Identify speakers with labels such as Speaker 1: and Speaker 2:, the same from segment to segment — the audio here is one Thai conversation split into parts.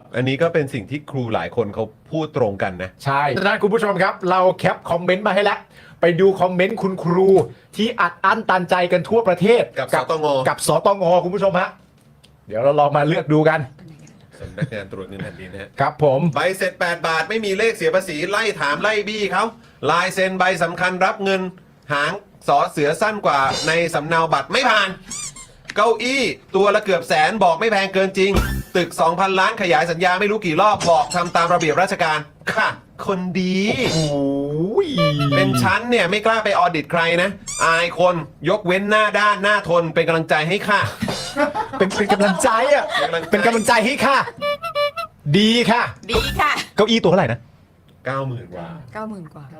Speaker 1: อันนี้ก็เป็นสิ่งที่ครูหลายคนเขาพูดตรงกันนะ
Speaker 2: ใช่ดังนั้นคุณผู้ชมครับ เราแคปคอมเมนต์มาให้แล้ว ไปดูคอมเมนต์คุณครูที่อัดอั้นตันใจกันทั่วประเทศ
Speaker 1: กับสตง
Speaker 2: กับสตงคุณผู้ชมฮะเดี๋ยวเราลองมาเลือกดูกัน
Speaker 1: สำนักงานตรวจเงินแผ่นดินนะฮะ
Speaker 2: ครับผม
Speaker 1: ใบเสร็จ8 บาทไม่มีเลขเสียภาษีไล่ถามไล่บี้เขาลายเซ็นใบสำคัญรับเงินหางสอเสือสั้นกว่าในสำเนาบัตรไม่ผ่าน เก้าอี้ตัวละเกือบแสนบอกไม่แพงเกินจริง ตึก 2,000 ล้านขยายสัญญาไม่รู้กี่รอบบอกทำตามระเบียบราชการค่ะ คนดี
Speaker 2: โอ้ย
Speaker 1: เป็นชั้นเนี่ยไม่กล้าไปออดิตใครนะ อายคนยกเว้นหน้าด้านหน้าทนเป็นกำลังใจให้ค่ะ
Speaker 2: เป็นกำลังใจอ่ะ เป็นกำลังใจให้ค่ะ ดีค่ะ
Speaker 3: ดีค่ะ
Speaker 2: เก้าอี้ตัวเท่าไหร่นะ
Speaker 1: 90,000 กว่า
Speaker 3: 90,000 กว่า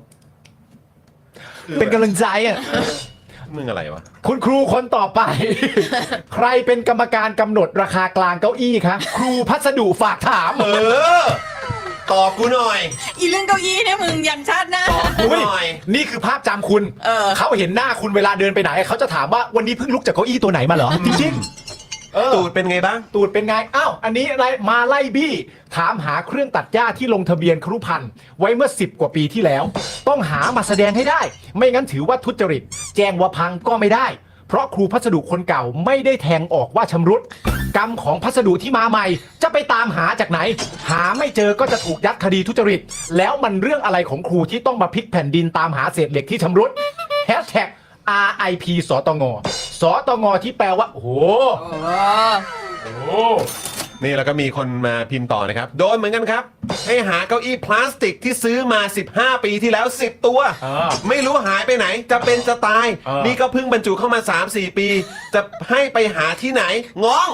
Speaker 2: เป็นกำลังใจอ่ะ
Speaker 1: มึงอะไรวะ
Speaker 2: คุณครูคนต่อไป ใครเป็นกรรมการกำหนดราคากลางเก้าอี้คะครูพัสดุฝากถาม
Speaker 1: ตอบกูหน่อย
Speaker 3: อีเรื่องเก้าอี้เนี่ยมึงยันชาติหน้า
Speaker 1: กูหน่อย
Speaker 2: นี่คือภาพจำคุณ เขาเห็นหน้าคุณเวลาเดินไปไหน เขาจะถามว่าวันนี้เพิ่งลุกจากเก้าอี้ตัวไหนมาเหรอ จริงๆ
Speaker 1: ตูดเป็นไงบ้าง
Speaker 2: ตูดเป็นไง อ้าว อันนี้อะไรมาไล่บี้ ถามหาเครื่องตัดหญ้าที่ลงทะเบียนครุพันธ์ไว้เมื่อ10 กว่าปีที่แล้ว ต้องหามาแสดงให้ได้ ไม่งั้นถือว่าทุจริต แจ้งว่าพังก็ไม่ได้ เพราะครูพัสดุคนเก่าไม่ได้แทงออกว่าชำรุด กรรมของพัสดุที่มาใหม่ จะไปตามหาจากไหน หาไม่เจอก็จะถูกยัดคดีทุจริต แล้วมันเรื่องอะไรของครูที่ต้องมาพลิกแผ่นดินตามหาเศษเหล็กที่ชำรุด Hashtag RIP สตงสตงที่แปลว่า โอ้โห โอ้โห
Speaker 1: นี่แล้วก็มีคนมาพิมพ์ต่อนะครับ โดนเหมือนกันครับ ให้หาเก้าอี้พลาสติกที่ซื้อมา 15 ปีที่แล้ว 10 ตัว ไม่รู้หายไปไหน จะเป็นจะตาย นี่ก็เพิ่งบรรจุเข้ามา 3-4 ปี จะให้ไปหาที่ไหนงง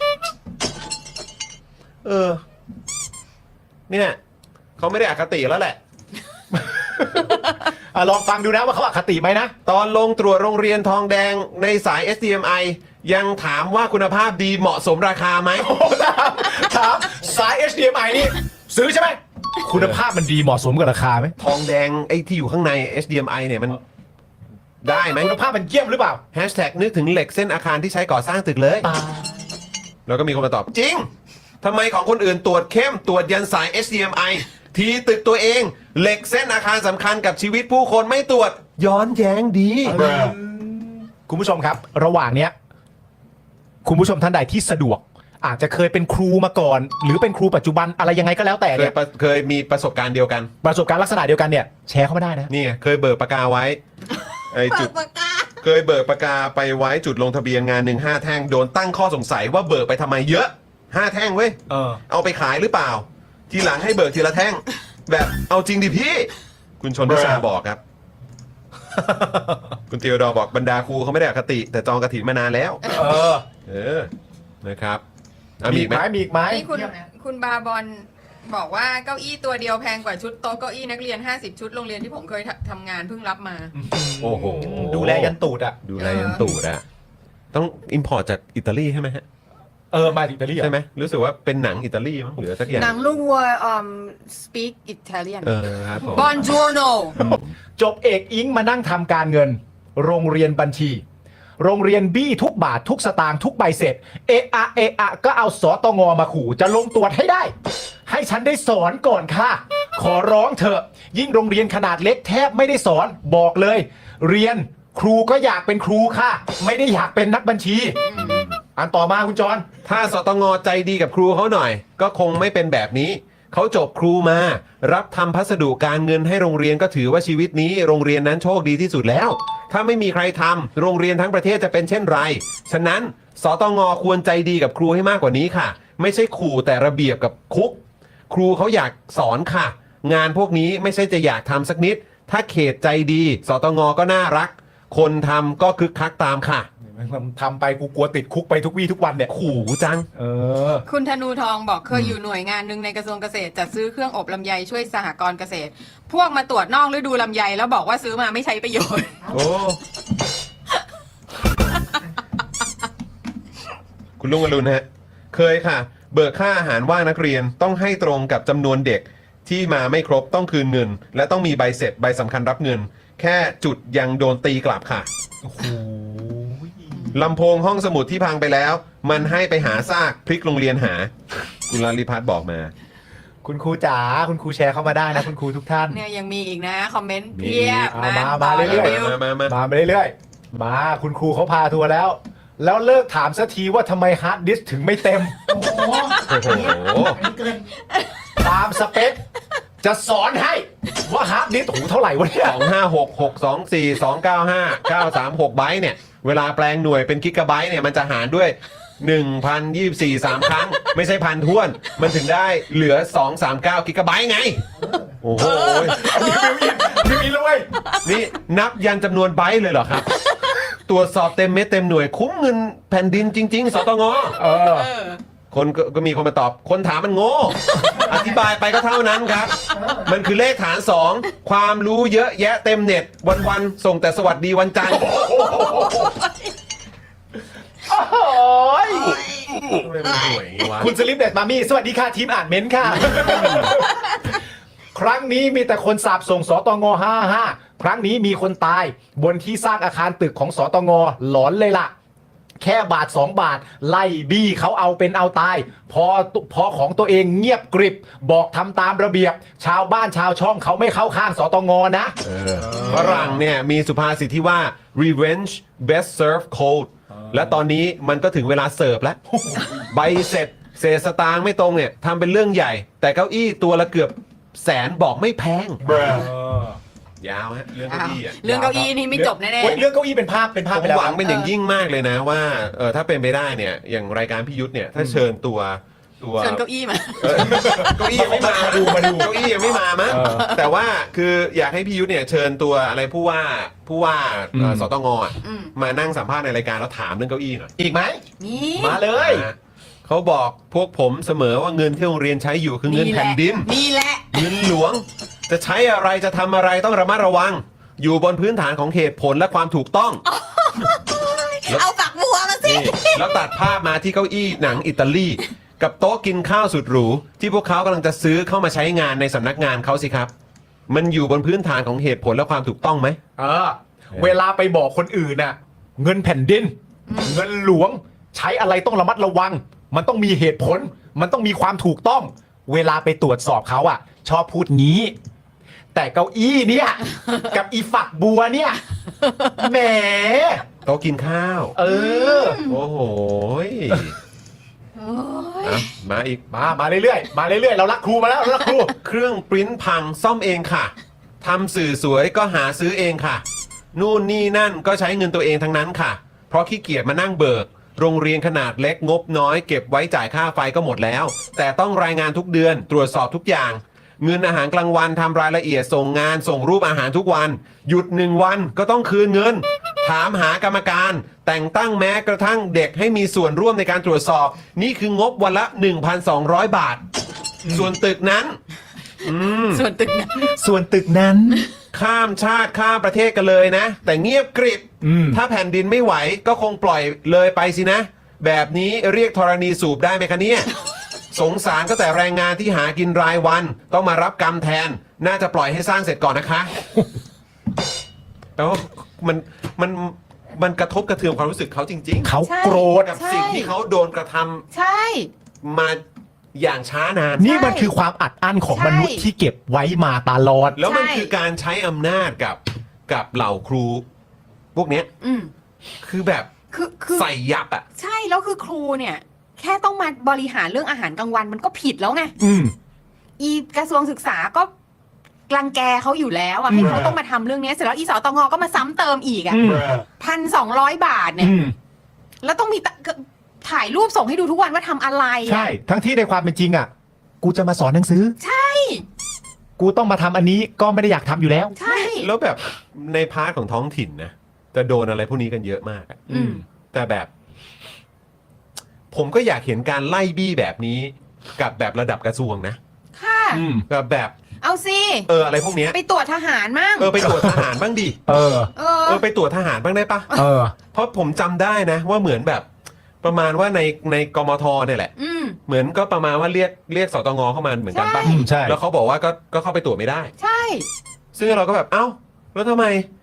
Speaker 1: เนี่ยเขาไม่ได้อคติแล้วแหละ
Speaker 2: ลองฟังดูนะว่าเขาอคติไหมนะ
Speaker 1: ตอนลงตรวจโรงเรียนทองแดงในสาย SDMI ยังถามว่าคุณภาพดีเหมาะสมราคาไหม
Speaker 2: ถามสาย HDMI นี่ซื้อใช่ไหม คุณภาพมันดีเหมาะสมกับราคาไหม
Speaker 1: ทองแดงไอ้ที่อยู่ข้างใน HDMI เนี่ยมันได้ไหม
Speaker 2: คุณภาพมันเยี่ยมหรือเปล่า
Speaker 1: แฮชแท็กนึกถึงเหล็กเส้นอาคารที่ใช้ก่อสร้างตึกเลย แล้วก็มีคนมาตอบจริงทำไมของคนอื่นตรวจเข้มตรวจยันสาย HDMI ทีตึกตัวเองเหล็กเส้นอาคารสำคัญกับชีวิตผู้คนไม่ตรวจย้อนแย้งดี
Speaker 2: คุณผู้ชมครับ ระหว่างเนี้ยคุณผู้ชมท่านใดที่สะดวก อาจจะเคยเป็นครูมาก่อน หรือเป็นครูปัจจุบันอะไรยังไงก็แล้วแต่เนี่ย
Speaker 1: เคยมีประสบการณ์เดียวกัน
Speaker 2: ประสบการณ์ลักษณะเดียวกันเนี่ยแชร์เข้ามาได้นะ
Speaker 1: นี่ไงเคยเบิกปากกาไว้ไอ้จุดเคยเบิกปากกาไปไว้จุดลงทะเบียนงาน5 แท่งโดนตั้งข้อสงสัยว่าเบิกไปทำไมเยอะ5 แท่งเว้ยเอาไปขายหรือเปล่า ทีหลังให้เบิกทีละแท่ง แบบเอาจริงดิพี่ คุณชนทิชาบอกครับ คุณเตียวดอบอกบรรดาครูเขาไม่ได้อคติ แต่จองกฐินมานานแล้ว นะครับ
Speaker 2: มีอีกไหมมีอีกไหม
Speaker 3: นี่คุณบาบอลบอกว่าเก้าอี้ตัวเดียวแพงกว่าชุดโต๊ะเก้าอี้นักเรียน50 ชุดโรงเรียนที่ผมเคยทำงานเพิ่งรับมา
Speaker 1: โอ้โห
Speaker 2: ดูแลยันตูดอ่ะ
Speaker 1: ดูแลยันตูดอะต้องอิมพอร์ตจากอิตาลีใช่ไหมฮะ
Speaker 2: มาจากอิตาลี
Speaker 1: ใช่ไหมรู้สึกว่าเป็นหนังอิตาลีมั้งหรือสักอย่าง
Speaker 3: หนังลูกวัวspeak Italian
Speaker 1: ครับผม
Speaker 3: Buongiorno
Speaker 2: จบเอกอิงมานั่งทำการเงิน โรงเรียนบัญชี โรงเรียนบี้ทุกบาททุกสตางค์ทุกใบเสร็จเอะก็เอาสตงมาขู่จะลงตรวจให้ได้ ให้ฉันได้สอนก่อนค่ะ ขอร้องเถอะ ยิ่งโรงเรียนขนาดเล็กแทบไม่ได้สอนบอกเลย เรียนครูก็อยากเป็นครูค่ะ ไม่ได้อยากเป็นนักบัญชี อันต่อมาคุณจร
Speaker 1: ถ้าสตงใจดีกับครูเขาหน่อย ก็คงไม่เป็นแบบนี้ เขาจบครูมา รับทำพัสดุการเงินให้โรงเรียนก็ถือว่าชีวิตนี้โรงเรียนนั้นโชคดีที่สุดแล้ว ถ้าไม่มีใครทำโรงเรียนทั้งประเทศจะเป็นเช่นไร ฉะนั้นสตงควรใจดีกับครูให้มากกว่านี้ค่ะ ไม่ใช่ขู่แต่ระเบียบกับคุก ครูเขาอยากสอนค่ะ งานพวกนี้ไม่ใช่จะอยากทำสักนิด ถ้าเขตใจดีสตงก็น่ารัก คนทำก็คึกคักตามค่ะ
Speaker 2: ทำไปกูกลัวติดคุกไปทุกวี่ทุกวันเนี่ย
Speaker 1: ขู่จัง
Speaker 3: คุณธนูทองบอกเคยอยู่หน่วยงานหนึ่งในกระทรวงเกษตรจัดซื้อเครื่องอบลำไยช่วยสหกรณ์เกษตร พวกมาตรวจนอกฤดูลำไยแล้วบอกว่าซื้อมาไม่ใช้ประโยชน์
Speaker 1: โอ้ คุณลุงอรุณฮะ เคยค่ะ เบิกค่าอาหารว่างนักเรียนต้องให้ตรงกับจำนวนเด็กที่มาไม่ครบต้องคืนเงิน และต้องมีใบเสร็จใบสำคัญรับเงิน แค่จุดยังโดนตีกลับค่ะ
Speaker 2: โอ้โห
Speaker 1: ลำโพงห้องสมุดที่พังไปแล้ว มันให้ไปหาซากพลิกโรงเรียนหา คุณลลิพัฒน์บอกมา
Speaker 2: คุณครูจ๋าคุณครูแชร์เข้ามาได้นะคุณครูทุกท่าน
Speaker 3: เนี่ยยังมีอีกนะ คอมเมนต์เพียบ
Speaker 2: มีมา
Speaker 3: ต่
Speaker 2: เรื่อยๆ
Speaker 3: รีวิว
Speaker 2: มาเรื่อยๆมาคุณครูเขาพาทัวร์แล้ว แล้วเลิกถามสักทีว่าทำไมฮาร์ดดิสก์ถึงไม่เต็ม
Speaker 4: โอ้โห
Speaker 1: โอ้โห
Speaker 4: อันนี้เกิน
Speaker 2: ตามสเปค จะสอนให้ว่าฮาร์ดดิสก์หูเท่าไหร่วะเนี่ย
Speaker 1: 256 624 295 936 ไบต์เนี่ย เวลาแปลงหน่วยเป็นกิกะไบต์เนี่ย มันจะหารด้วย 1,024 3 ครั้ง ไม่ใช่พันท้วน มันถึงได้เหลือ 239 กิกะไบต์ไง โอ้โห
Speaker 2: มีเลย
Speaker 1: นี่นับยันจำนวนไบต์เลยเหรอครับ ตรวจสอบเต็มเม็ดเต็มหน่วยคุ้มเงินแผ่นดินจริง ๆ สตง
Speaker 2: เออ
Speaker 3: เออ
Speaker 1: คนก็มีคนมาตอบ คนถามมันโง่ อธิบายไปก็เท่านั้นครับ มันคือเลขฐาน 2 ความรู้เยอะแยะเต็มเน็ต วันๆส่งแต่สวัสดีวันจันทร์
Speaker 2: โอ้ย
Speaker 1: ทำไมมันห่วยอย่างงี้วะ
Speaker 2: คุณสลิปเด็ดมามี่สวัสดีค่ะทีมอ่านเม้นท์ค่ะ ครั้งนี้มีแต่คนสาบส่งสตง55ครั้งนี้มีคนตายบนที่สร้างอาคารตึกของสตงหลอนเลยล่ะ แค่บาท 2 บาท ไล่บี้เขาเอาเป็นเอาตาย พอของตัวเองเงียบกริบ บอกทำตามระเบียบ ชาวบ้านชาวช่องเขาไม่เข้าข้างสตงนะ
Speaker 1: ฝรั่งเนี่ยมีสุภาษิตที่ว่า revenge best served cold และตอนนี้มันก็ถึงเวลาเสิร์ฟแล้ว ใบเสร็จเศษสตางค์ไม่ตรงเนี่ยทำเป็นเรื่องใหญ่ แต่เก้าอี้ตัวละเกือบแสนบอกไม่แพง ยาวฮะเรื่องเก้าอี้อะ
Speaker 3: เรื่องเก้าอี้นี่ไม่จบแน่
Speaker 2: เฮ้ยเรื่องเก้าอี้เป็นภาพ
Speaker 1: ผม
Speaker 2: ไปแล้ว
Speaker 1: หวังเป็นอย่างยิ่งมากเลยนะว่าถ้าเป็นไปได้เนี่ยอย่างรายการพี่ยุทธเนี่ยถ้าเชิญตัว
Speaker 3: ๆเชิญเก้าอี้มา
Speaker 1: เก้าอี้ยังไม่มา
Speaker 2: มาดู
Speaker 1: เก้าอี้ยังไม่มามั้งแต่ว่าคืออยากให้พี่ยุทธเนี่ยเชิญตัวอะไรผู้ว่าสตงอ่ะ
Speaker 3: อืม
Speaker 1: มานั่งสัมภาษณ์ในรายการแล้วถามเรื่องเก้าอี้หน่อย
Speaker 2: อีกไหม
Speaker 3: นี่
Speaker 2: มาเลย
Speaker 1: นะเขาบอกพวกผมเสมอว่าเงินที่โรงเรียนใช้อยู่คือเงินแผ่นดิน
Speaker 3: นี่แหละ
Speaker 1: เงินหลวง จะใช้อะไรจะทำอะไรต้องระมัดระวัง อยู่บนพื้นฐานของเหตุผลและความถูกต้อง
Speaker 3: เอาฝักบัวมาสิ
Speaker 1: นี่แล้วตัดภาพมาที่เก้าอี้หนังอิตาลี กับโต๊ะกินข้าวสุดหรู ที่พวกเขากำลังจะซื้อเข้ามาใช้งานในสำนักงานเขาสิครับ มันอยู่บนพื้นฐานของเหตุผลและความถูกต้องไหม
Speaker 2: เวลาไปบอกคนอื่นน่ะ เงินแผ่นดิน เงินหลวง ใช้อะไรต้องระมัดระวัง มันต้องมีเหตุผล มันต้องมีความถูกต้อง เวลาไปตรวจสอบเขาอ่ะ ชอบพูดงี้ แต่เก้าอี้เนี่ย กับอีฝักบัวเนี่ยแหม
Speaker 1: โต๊ะกินข้าว
Speaker 2: เออ
Speaker 1: โอ้โหยอ่ะมาอีก
Speaker 2: มาเรื่อยๆมาเรื่อยๆเรารักครูมาแล้วเรารักครู
Speaker 1: เครื่องปริ้นพังซ่อมเองค่ะทำสื่อสวยก็หาซื้อเองค่ะ นู่นนี่นั่นก็ใช้เงินตัวเองทั้งนั้นค่ะ เพราะขี้เกียจมานั่งเบิก โรงเรียนขนาดเล็กงบน้อยเก็บไว้จ่ายค่าไฟก็หมดแล้ว แต่ต้องรายงานทุกเดือนตรวจสอบทุกอย่าง เงินอาหารกลางวันทำรายละเอียดส่งงานส่งรูปอาหารทุกวัน หยุด1 วันก็ต้องคืนเงิน ถามหากรรมการ แต่งตั้งแม้กระทั่งเด็กให้มีส่วนร่วมในการตรวจสอบ นี่คืองบวันละ 1,200 บาท ส่วนตึกนั้น
Speaker 3: ส่วนตึกนั้น
Speaker 2: ส่วนตึกนั้น
Speaker 1: ข้ามชาติข้ามประเทศกันเลยนะ แต่เงียบกริบ ถ้าแผ่นดินไม่ไหวก็คงปล่อยเลยไปสินะ แบบนี้เรียกธรณีสูบได้ไหมคะเนี่ย สงสารก็แต่แรงงานที่หากินรายวัน ต้องมารับกรรมแทน น่าจะปล่อยให้สร้างเสร็จก่อนนะคะแปลว่ามันกระทบกระเทือนความรู้สึกเขาจริงๆ
Speaker 2: เขา
Speaker 3: ใช่
Speaker 2: โกรธ
Speaker 1: กับสิ่งที่เขาโดนกระทำ
Speaker 3: ใช่
Speaker 1: มาอย่างช้านาน
Speaker 2: นี่มันคือความอัดอั้นของมนุษย์ที่เก็บไว้มาตลอด
Speaker 1: แล้วมัน
Speaker 3: ใช่
Speaker 1: คือการใช้อำนาจกับเหล่าครู พวกเนี้ย
Speaker 3: อืม
Speaker 1: คือแบบ
Speaker 3: คือ
Speaker 1: ใส่ยับอ่ะ
Speaker 3: ใช่แล้วคือครูเนี่ย แค่ต้องมาบริหารเรื่องอาหารกลางวันมันก็ผิดแล้วไง
Speaker 2: อืม
Speaker 3: อีกระทรวงศึกษาก็รังแกเขาอยู่แล้วอะให้เขาต้องมาทำเรื่องนี้เสร็จแล้วอีสตงก็มาซ้ำเติมอีกอะ 1,200 บาทเนี่ย แล้วต้องมีถ่ายรูปส่งให้ดูทุกวันว่าทำอะไรอะ
Speaker 2: ใช่ ทั้งที่ในความเป็นจริงอ่ะ กูจะมาสอนหนังสือ
Speaker 3: ใช่
Speaker 2: กูต้องมาทำอันนี้ก็ไม่ได้อยากทำอยู่แล้ว
Speaker 3: ใช่
Speaker 1: แล้วแบบในพาร์ทของท้องถิ่นนะจะโดนอะไรพวกนี้กันเยอะมากอะ
Speaker 3: อืม
Speaker 1: แต่แบบ ผมก็อยากเห็นการไล่บี้แบบนี้ กับแบบระดับกระทรวงนะ
Speaker 3: ค่ะ
Speaker 1: กับแบบ
Speaker 3: เอาสิ
Speaker 1: อะไรพวกเนี้ย
Speaker 3: ไปตรวจทหารมั่ง
Speaker 1: ไปตรวจทหารบ้างดิ
Speaker 2: เออ
Speaker 1: ไปตรวจทหารบ้างได้ปะ
Speaker 2: เออ
Speaker 1: เพราะผมจำได้นะ ว่าเหมือนแบบ ประมาณว่าในกมทเนี่ยแหละ
Speaker 3: อืม
Speaker 1: เหมือนก็ประมาณว่าเรียกสตงเข้ามาเหมือนกันปะ
Speaker 3: ใช่
Speaker 2: ใช่
Speaker 1: แล้วเขาบอกว่าก็เข้าไปตรวจไม่ได้
Speaker 3: ใช่
Speaker 1: ซึ่งเราก็แบบเอ้าแล้วทำไม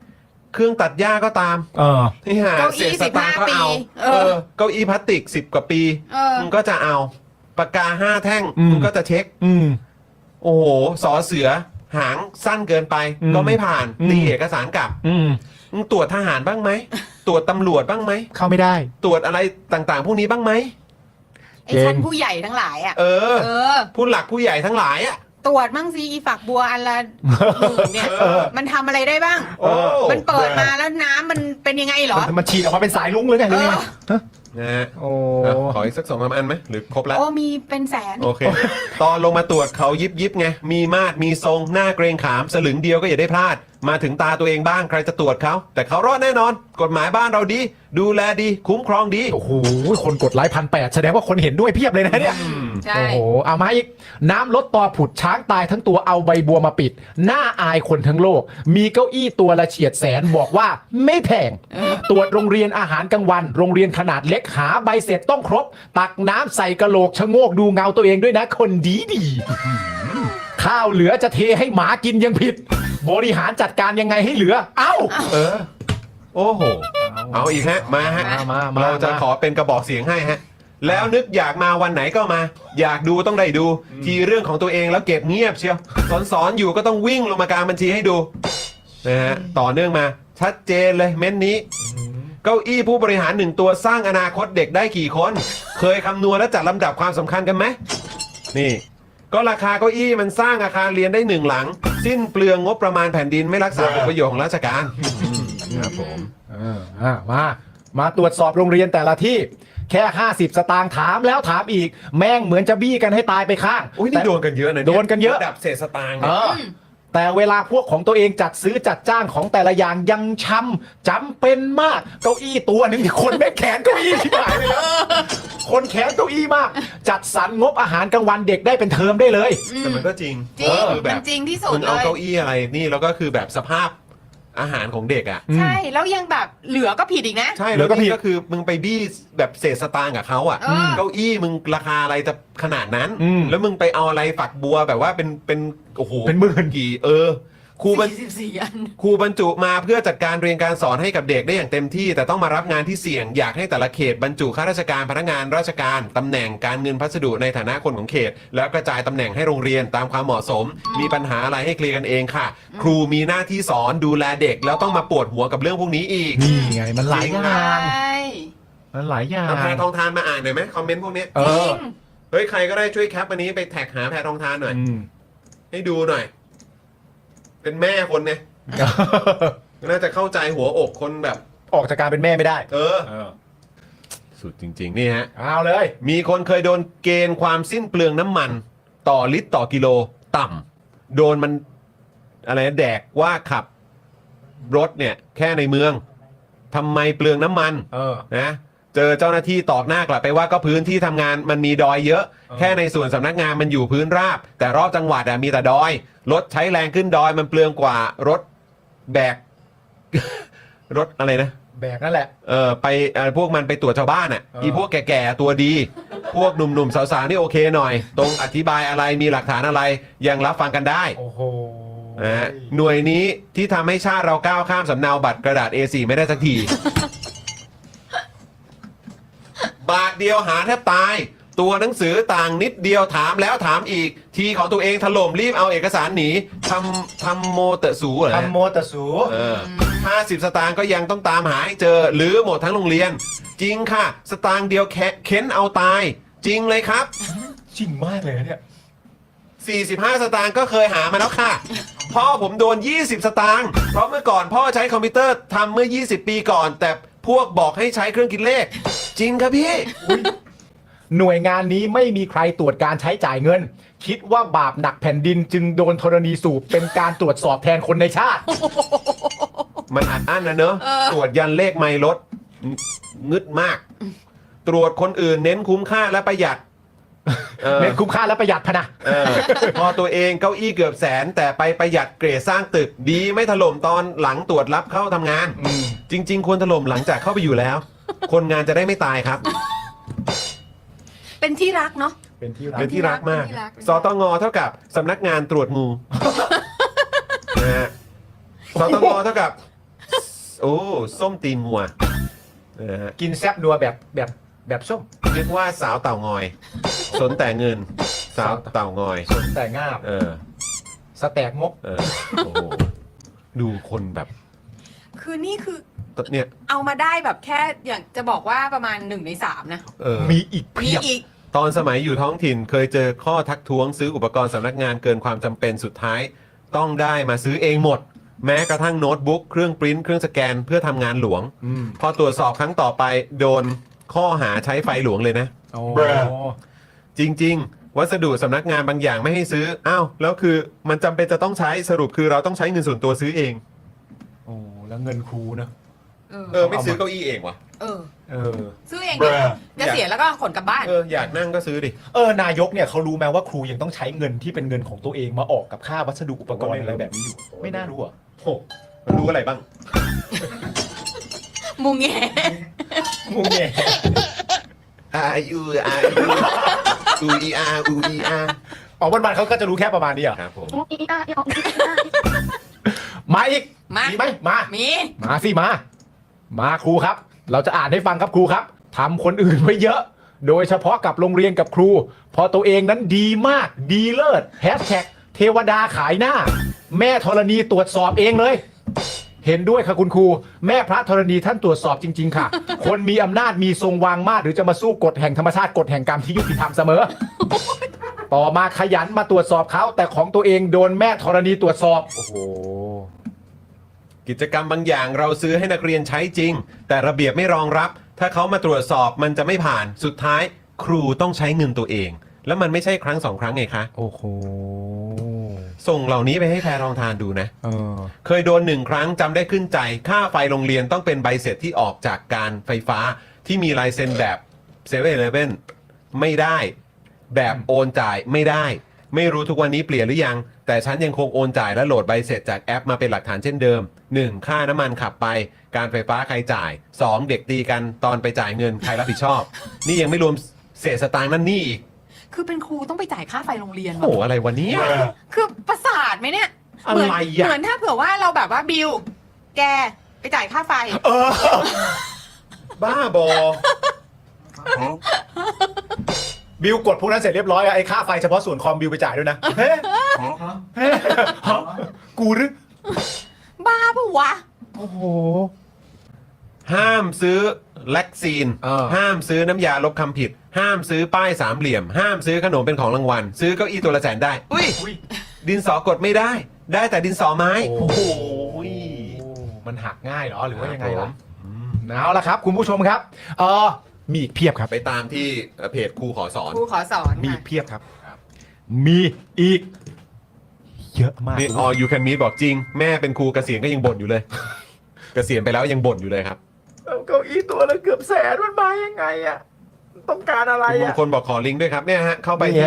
Speaker 1: เครื่องตัดหญ้าก็ตามนี่ฮะ
Speaker 3: เก้า
Speaker 1: เศ
Speaker 3: อี้
Speaker 1: ษสตางค์ก็เอา
Speaker 3: 15 ปี
Speaker 1: เก้าอี้พลาสติก10 กว่าปี มึงก็จะเอาปากกา5 แท่งมึงก็จะเช็คโอ้โหสอเสือหางสั้นเกินไปก็ไม่ผ่านตีเอกสารกลับมึงตรวจทหารบ้างไหมตรวจตำรวจบ้างไหม
Speaker 2: เข้าไม่ได้
Speaker 1: ตรวจอะไรต่างๆพวกนี้บ้างไหม
Speaker 3: ไอ้ชั้นผู้ใหญ่ทั้งหลายอ่ะ
Speaker 1: เออ ผู้หลักผู้ใหญ่ทั้งหลายอ่ะ
Speaker 3: ตรวจมั่งสิอีฝักบัวอันละหมื่นเนี่ย มันทำอะไรได้บ้าง
Speaker 1: โอ้
Speaker 3: มันเปิดมาแล้วน้ำมันเป็นยังไงเหรอ
Speaker 2: มันฉีดออกมาเป็นสายลุ้งเลยไงหรือไง
Speaker 1: นะฮะ
Speaker 2: โอ้
Speaker 1: ขออีกสัก2-3 อันไหมหรือครบแล้ว
Speaker 3: โอ้มีเป็นแสน
Speaker 1: โอเค ตอนลงมาตรวจเขายิบไง มีมาดมีทรง หน้าเกรงขาม สลึงเดียวก็อย่าได้พลาด มาถึงตาตัวเองบ้างใครจะตรวจเขา แต่เขารอดแน่นอน กฎหมายบ้านเราดี ดูแลดี คุ้มครองดี
Speaker 2: โอ้โหคนกดไลค์1,800แสดงว่าคนเห็นด้วยเพียบเลยนะเนี่ย
Speaker 3: ใช่
Speaker 2: โอ้โหเอามาอีกน้ำลดต่อผุดช้างตายทั้งตัวเอาใบบัวมาปิดหน้าอายคนทั้งโลก มีเก้าอี้ตัวละเฉียดแสนบอกว่าไม่แพงตรวจโรงเรียนอาหารกลางวัน โรงเรียนขนาดเล็กหาใบเสร็จต้องครบ ตักน้ำใส่กะโหลกชะโงกดูเงาตัวเองด้วยนะคนดีข้าวเหลือจะเทให้หมากินยังผิด บริหารจัดการยังไงให้เหลือ เอ้า
Speaker 1: โอ้โห เอาอีกฮะ มาฮะ
Speaker 2: มา
Speaker 1: เราจะขอเป็นกระบอกเสียงให้ฮะ แล้วนึกอยากมาวันไหนก็มา อยากดูต้องได้ดู ทีเรื่องของตัวเองแล้วเก็บเงียบเชียวสอนอยู่ก็ต้องวิ่งลงมากลางบัญชีให้ดูนะฮะต่อเนื่องมาชัดเจนเลยเม้นนี้ เก้าอี้ผู้บริหาร1 ตัวสร้างอนาคตเด็กได้กี่คน เคยคำนวณและจัดลำดับความสำคัญกันไหมนี่ ก็ราคาเก้าอี้มันสร้างอาคารเรียนได้ 1 หลัง สิ้นเปลืองงบประมาณแผ่นดินไม่รักษาผลประโยชน์ของราชการครับผม
Speaker 2: มาตรวจสอบโรงเรียนแต่ละที่แค่50 สตางค์ถามแล้วถามอีก แม่งเหมือนจะบี้กันให้ตายไปข้าง
Speaker 1: อุ้ยนี่โดนกันเยอะนะเย
Speaker 2: โดนกันเยอะ
Speaker 1: ระดับเศษสตางค์
Speaker 2: เอ
Speaker 1: เนี่ย
Speaker 2: อแต่เวลาพวกของตัวเองจัดซื้อจัดจ้างของแต่ละอย่างยังจำเป็นมากเก้าอี้ตัวหนึ่งที่คนแม่งแขนเก้าอี้ที่หายเลยนะคนแขนเก้าอี้มาก จัดสรรงบอาหารกลางวันเด็กได้เป็นเทอมได้เลย
Speaker 1: แต่มันก็จริง
Speaker 3: จริง
Speaker 1: คือแบ
Speaker 3: มั
Speaker 1: บ
Speaker 3: นจริงที่สุด
Speaker 1: มึง
Speaker 3: เล
Speaker 1: เอา
Speaker 3: ย
Speaker 1: เก้าอี้อะไรนี่แล้วก็คือแบบสภาพอาหารของเด็กอ่ะ
Speaker 3: ใช่แล้วยังแบบเหลือก็ผิดอีกนะ
Speaker 1: ใช่
Speaker 2: แล้
Speaker 1: แล้ว
Speaker 2: วก็
Speaker 1: ก็
Speaker 2: ผิด
Speaker 1: ก็คือมึงไปบี้แบบเศษสตางค์กับเขาอ่ะ เก้าอี้มึงราคาอะไรจะขนาดนั้น แล้วมึงไปเอาอะไรฝักบัวแบบว่าเป็นโอ้โห
Speaker 2: เป็นหมื่น
Speaker 1: กี่ครูบรร
Speaker 3: 44 อัน
Speaker 1: ครูบรรจุมาเพื่อจัดการเรียนการสอนให้กับเด็กได้อย่างเต็มที่ แต่ต้องมารับงานที่เสี่ยงอยากให้แต่ละเขตบรรจุข้าราชการพนักงานราชการตำแหน่งการเงินพัสดุในฐานะคนของเขต แล้วกระจายตำแหน่งให้โรงเรียนตามความเหมาะสม มีปัญหาอะไรให้เคลียร์กันเองค่ะ ครูมีหน้าที่สอนดูแลเด็กแล้วต้องมาปวดหัวกับเรื่องพวกนี้อีก
Speaker 2: นี่ไงมันหลายอ
Speaker 3: ใช
Speaker 2: ย่าง
Speaker 3: ่
Speaker 2: มันหลายอย่าง
Speaker 1: เอาแพรทองทานมาอ่านหน่อยไหมคอมเมนต์พวกนี้
Speaker 2: เอ
Speaker 3: จริ
Speaker 2: อ
Speaker 3: ง
Speaker 1: เฮ้ยใครก็ได้ช่วยแคปอันนี้ไปแท็กหาแพรทองทานหน่อย ให้ดูหน่อย เป็นแม่คนเนี่ยน่าจะเข้าใจหัวอกคนแบบ
Speaker 2: ออกจากการเป็นแม่ไม่ได้
Speaker 1: สุดจริงๆนี่ฮะ
Speaker 2: เอาเลย
Speaker 1: มีคนเคยโดนเกณฑ์ความสิ้นเปลืองน้ำมันต่อลิตรต่อกิโลต่ำโดนมันอะไรนะแดกว่าขับรถเนี่ยแค่ในเมืองทำไมเปลืองน้ำมันนะเจอเจ้าหน้าที่ตอกหน้ากลับไปว่าก็พื้นที่ทำงานมันมีดอยเยอะ แค่ในส่วนสำนักงานมันอยู่พื้นราบ แต่รอบจังหวัดมีแต่ดอยรถใช้แรงขึ้นดอยมันเปลืองกว่ารถแบก รถอะไรนะ
Speaker 2: แบกนั่นแหละ
Speaker 1: ไปพวกมันไปตรวจชาวบ้านอ่ะอีพวกแก่ๆตัวดี พวกหนุ่มๆสาวๆนี่โอเคหน่อย ตรงอธิบายอะไรมีหลักฐานอะไรยังรับฟังกันได้
Speaker 2: โอ้โห
Speaker 1: นะฮะหน่วยนี้ที่ทำให้ชาติเราก้าวข้ามสำเนาบัตรกระดาษ A4 ไม่ได้สักที บาทเดียวหาแทบตาย ตัวหนังสือต่างนิดเดียวถามแล้วถามอีก ทีของตัวเองถล่มรีบเอาเอกสารหนีทำโมเตะสูเหรอ
Speaker 2: ทำโมตะสู
Speaker 1: 50 สตางค์ก็ยังต้องตามหาให้เจอ หรือหมดทั้งโรงเรียน จริงค่ะ สตางค์เดียวเค้นเอาตาย จริงเลยครับ
Speaker 2: จริงมากเลยนะเนี่ย
Speaker 1: 45 สตางค์ก็เคยหามาแล้วค่ะ พ่อผมโดน 20 สตางค์เพราะเมื่อก่อนพ่อใช้คอมพิวเตอร์ทำเมื่อ 20 ปีก่อน แต่พวกบอกให้ใช้เครื่องคิดเลข จริงครับพี่
Speaker 2: หน่วยงานนี้ไม่มีใครตรวจการใช้จ่ายเงิน คิดว่าบาปหนักแผ่นดินจึงโดนธรณีสูบเป็นการตรวจสอบแทนคนในชาติ
Speaker 1: มันอัดอั้นนะเนอะตรวจยันเลขไม่ลดงึดมาก ตรวจคนอื่นเน้นคุ้มค่าและประหยัด
Speaker 2: เน้นคุ้มค่าและประหยัดพะนะ
Speaker 1: พอตัวเองเก้าอี้เกือบแสน แต่ไปประหยัดเกรดสร้างตึกดีไม่ถล่มตอนหลังตรวจรับเข้าทำงาน จริง ๆ ควรถล่มหลังจากเข้าไปอยู่แล้ว คนงานจะได้ไม่ตายครับ
Speaker 3: เป็นที่รักเนาะ
Speaker 2: เป็นที่รัก
Speaker 1: เป็นที่รักมาก
Speaker 3: เป็นที่รัก
Speaker 1: สตงเท่ากับสำนักงานตรวจงูนะฮะสตงเท่ากับโอ้ส้มตีนงัวนะฮะ
Speaker 2: กินแซบนัวแบบส้ม
Speaker 1: เรียกว่าสาวเต่างอย สนแต่เงิน สาวเต่างอย
Speaker 2: แต่งาบ
Speaker 1: เออ
Speaker 2: สแต็กงก
Speaker 1: เออโอ้โหดูคนแบบ
Speaker 3: คือนี่คือ
Speaker 1: เนี่ย
Speaker 3: เอามาได้แบบแค่อย่างจะบอกว่าประมาณ1 ใน 3นะ
Speaker 1: เออ
Speaker 2: มีอีก
Speaker 3: มี
Speaker 2: เพียบ
Speaker 3: อีก
Speaker 1: ตอนสมัยอยู่ท้องถิ่นเคยเจอข้อทักท้วงซื้ออุปกรณ์สำนักงานเกินความจำเป็นสุดท้าย ต้องได้มาซื้อเองหมด แม้กระทั่งโน้ตบุ๊กเครื่องปริ้นท์เครื่องสแกนเพื่อทำงานหลวง พอตรวจสอบครั้งต่อไปโดนข้อหาใช้ไฟหลวงเลยนะ
Speaker 2: โอ้
Speaker 1: จริง ๆ วัสดุสำนักงานบางอย่างไม่ให้ซื้ออ้าวแล้วคือมันจำเป็นจะต้องใช้สรุปคือเราต้องใช้เงินส่วนตัวซื้อเอง
Speaker 2: โอ้แล้วเงินครูนะ
Speaker 1: ไม่ซื้อเก้าอี้เองวะ
Speaker 3: เออ
Speaker 2: เออ
Speaker 3: ซื้อเองดิเกษียณแล้วก็ขนกลับบ้าน
Speaker 1: อยากนั่งก็ซื้อดิ
Speaker 2: นายกเนี่ยเขารู้ไหมว่าครูยังต้องใช้เงินที่เป็นเงินของตัวเองมาออกกับค่าวัสดุอุปกรณ์อะไรแบบนี้อยู่ ไม่น่ารู้อ่ะ
Speaker 1: โอ้มันรู้อะไรบ้าง
Speaker 3: มุงแง
Speaker 2: งงแง
Speaker 1: อูอีอาอูอีอา
Speaker 2: อ๋อวันๆเขาก็จะรู้แค่ประมาณนี้อ่ะ
Speaker 1: ครับผม
Speaker 2: มาอีก
Speaker 3: มา
Speaker 2: ไหมมา
Speaker 3: มี
Speaker 2: มาสิมาครูครับ เราจะอ่านให้ฟังครับครูครับทำคนอื่นไว้เยอะ โดยเฉพาะกับโรงเรียนกับครู พอตัวเองนั้นดีมากดีเลิศแฮชแท็กเทวดาขายหน้า แม่ธรณีตรวจสอบเองเลย เห็นด้วยค่ะคุณครู แม่พระธรณีท่านตรวจสอบจริง ๆ ค่ะ คนมีอำนาจมีทรงวางมาตรหรือจะมาสู้กฎแห่งธรรมชาติกฎแห่งกรรมที่ยุติธรรมเสมอ ต่อมาขยันมาตรวจสอบเขาแต่ของตัวเองโดนแม่ธรณีตรวจสอบโอ้โห
Speaker 1: กิจกรรมบางอย่างเราซื้อให้นักเรียนใช้จริง แต่ระเบียบไม่รองรับ ถ้าเขามาตรวจสอบมันจะไม่ผ่านสุดท้ายครูต้องใช้เงินตัวเอง แล้วมันไม่ใช่ครั้งสองครั้งไงคะ
Speaker 2: โอ้โห
Speaker 1: ส่งเหล่านี้ไปให้แพรรองทานดูนะ เคยโดน1 ครั้งจำได้ขึ้นใจ ค่าไฟโรงเรียนต้องเป็นใบเสร็จที่ออกจากการไฟฟ้าที่มีลายเซ็นแบบ7 e เ e ่ e อไม่ได้ แบบโอนจ่ายไม่ได้ ไม่รู้ทุกวันนี้เปลี่ยนหรือยัง แต่ฉันยังคงโอนจ่ายและโหลดใบเสร็จจากแอปมาเป็นหลักฐานเช่นเดิม 1. ค่าน้ำมันขับไป การไฟฟ้าใครจ่าย 2. เด็กตีกันตอนไปจ่ายเงินใครรับผิดชอบ นี่ยังไม่รวมเศษสตางค์นั่นนี่อีก
Speaker 3: คือเป็นครูต้องไปจ่ายค่าไฟโรงเรียน
Speaker 1: โอ้โหอะไรวันนี้
Speaker 3: คือประสาทไหมเนี่ย
Speaker 1: อะไร
Speaker 3: เหมืน
Speaker 1: อะ
Speaker 3: เหมือนถ้าเผื่อว่าเราแบบว่าบิวแกไปจ่ายค่าไฟ
Speaker 1: บ้าบอ
Speaker 2: บิลกดพวกนั้นเสร็จเรียบร้อยอะไอ้ค่าไฟเฉพาะส่วนคอมบิลไปจ่ายด้วยนะเฮ้กูหรือ
Speaker 3: บ้าปะวะ
Speaker 2: โอ้โห
Speaker 1: ห้ามซื้อแล็กซีน ห้ามซื้อน้ำยาลบคำผิด ห้ามซื้อป้ายสามเหลี่ยม ห้ามซื้อขนมเป็นของรางวัล ซื้อเก้าอี้ตัวละ100,000ได้อุ้ย ดินสอกดไม่ได้ ได้แต่ดินสอไม้
Speaker 2: โอ้โห มันหักง่ายเหรอหรือว่ายังไงล่ะเอาละครับ คุณผู้ชมครับมีอีกเพียบครับ
Speaker 1: ไปตามที่เพจครูขอสอน
Speaker 3: ครูขอสอน
Speaker 2: มีอี
Speaker 3: ค่ะ
Speaker 2: กเพียบครับ มีอีก เยอะมาก
Speaker 1: นี่ออยูแคนมีบอกจริง แม่เป็นครูเกษียณก็ยังบ่นอยู่เลย เกษียณไปแล้วยังบ่นอยู่เลยครับ
Speaker 2: เก้าอี้ตัวละเกือบแสนมันมายังไงอะต้องการอะไร
Speaker 1: คุณมง
Speaker 2: อะ
Speaker 1: คลบอกขอลิงก์ด้วยครับเนี่ยฮะเข้าไป
Speaker 2: นี่ฮะ